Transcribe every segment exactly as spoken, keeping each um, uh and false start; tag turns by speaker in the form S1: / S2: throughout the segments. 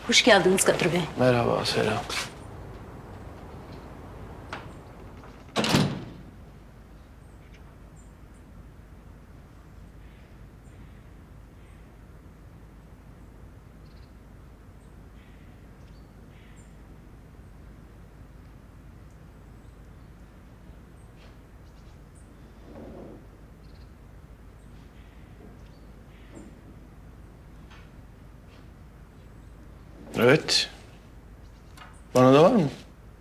S1: Hoş geldiniz Kadir Bey.
S2: Merhaba, selam. Evet. Bana da var mı?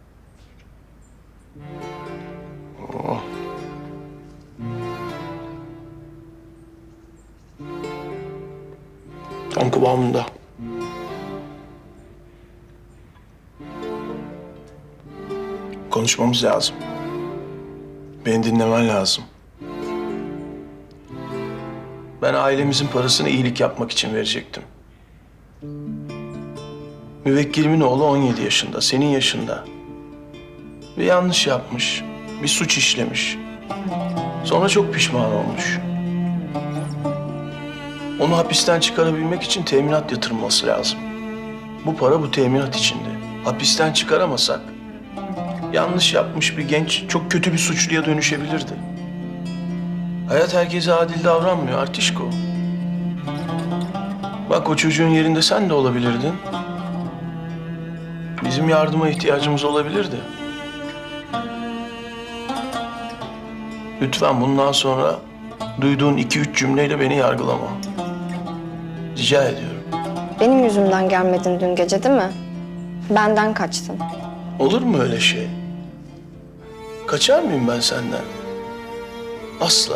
S2: Oo. Tam kıvamında. Konuşmamız lazım. Beni dinlemen lazım. Ben ailemizin parasını iyilik yapmak için verecektim. Müvekkilimin oğlu on yedi yaşında, senin yaşında. Bir yanlış yapmış, bir suç işlemiş. Sonra çok pişman olmuş. Onu hapisten çıkarabilmek için teminat yatırılması lazım. Bu para bu teminat içinde. Hapisten çıkaramasak, yanlış yapmış bir genç çok kötü bir suçluya dönüşebilirdi. Hayat herkese adil davranmıyor Artişko. Bak o çocuğun yerinde sen de olabilirdin. Bizim yardıma ihtiyacımız olabilirdi. Lütfen bundan sonra duyduğun iki üç cümleyle beni yargılama. Rica ediyorum.
S3: Benim yüzümden gelmedin dün gece değil mi? Benden kaçtın.
S2: Olur mu öyle şey? Kaçar mıyım ben senden? Asla.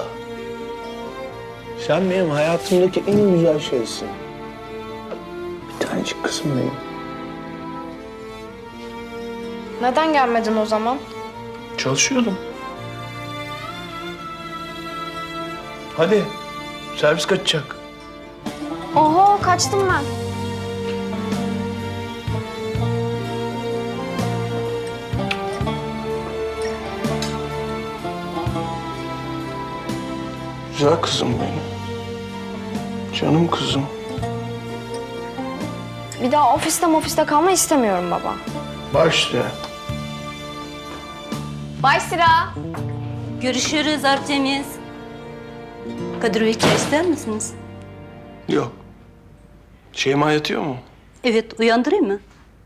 S2: Sen benim hayatımdaki en güzel şeysin. Bir tanecik kızım benim.
S3: Neden gelmedin o zaman?
S2: Çalışıyordum. Hadi, servis kaçacak.
S3: Oho, kaçtım ben.
S2: Güzel kızım benim. Canım kızım.
S3: Bir daha ofiste ofiste kalma istemiyorum baba.
S2: Başla.
S3: Bay Sıra.
S1: Görüşürüz Artemis. Kadir Bey çay ister misiniz?
S2: Yok. Şeyma yatıyor mu?
S1: Evet, uyandırayım mı?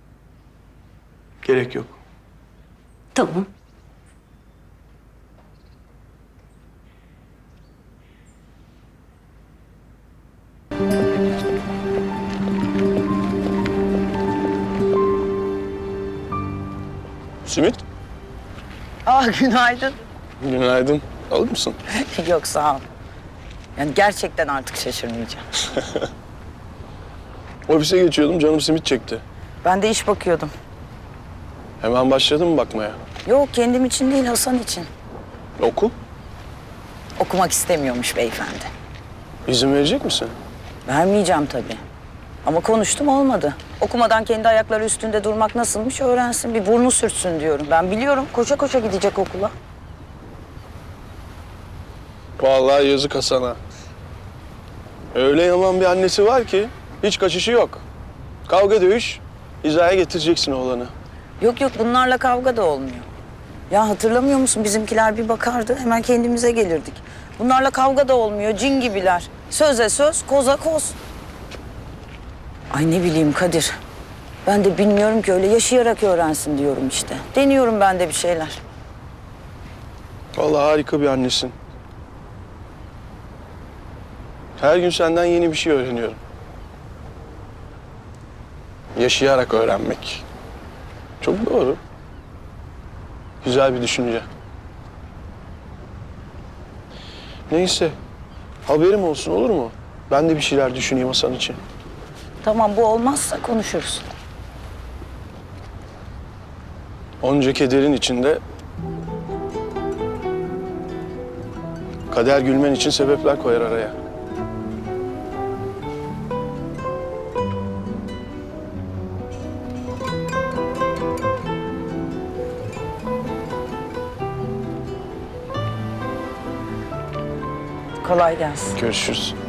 S2: Gerek yok.
S1: Tamam.
S2: Simit?
S4: Aa, günaydın.
S2: Günaydın. Alır mısın?
S4: Yok, sağ ol. Yani gerçekten artık şaşırmayacağım.
S2: Ofise geçiyordum, canım simit çekti.
S4: Ben de iş bakıyordum.
S2: Hemen başladın mı bakmaya?
S4: Yok, kendim için değil, Hasan için.
S2: Okul?
S4: Okumak istemiyormuş beyefendi.
S2: İzin verecek misin?
S4: Vermeyeceğim tabii. Ama konuştum, olmadı. Okumadan kendi ayakları üstünde durmak nasılmış öğrensin. Bir burnu sürtsün diyorum. Ben biliyorum, koşa koşa gidecek okula.
S2: Vallahi yazık Hasan'a. Öyle yaman bir annesi var ki hiç kaçışı yok. Kavga dövüş, hizaya getireceksin oğlanı.
S4: Yok yok, bunlarla kavga da olmuyor. Ya hatırlamıyor musun? Bizimkiler bir bakardı, hemen kendimize gelirdik. Bunlarla kavga da olmuyor, cin gibiler. Söze söz, koza koz. Ay ne bileyim Kadir. Ben de bilmiyorum ki, öyle yaşayarak öğrensin diyorum işte. Deniyorum ben de bir şeyler.
S2: Vallahi harika bir annesin. Her gün senden yeni bir şey öğreniyorum. Yaşayarak öğrenmek. Çok doğru. Güzel bir düşünce. Neyse, haberim olsun olur mu? Ben de bir şeyler düşüneyim Hasan için.
S4: Tamam, bu olmazsa konuşuruz.
S2: Onca kederin içinde kader gülmen için sebepler koyar araya.
S4: Kolay gelsin.
S2: Görüşürüz.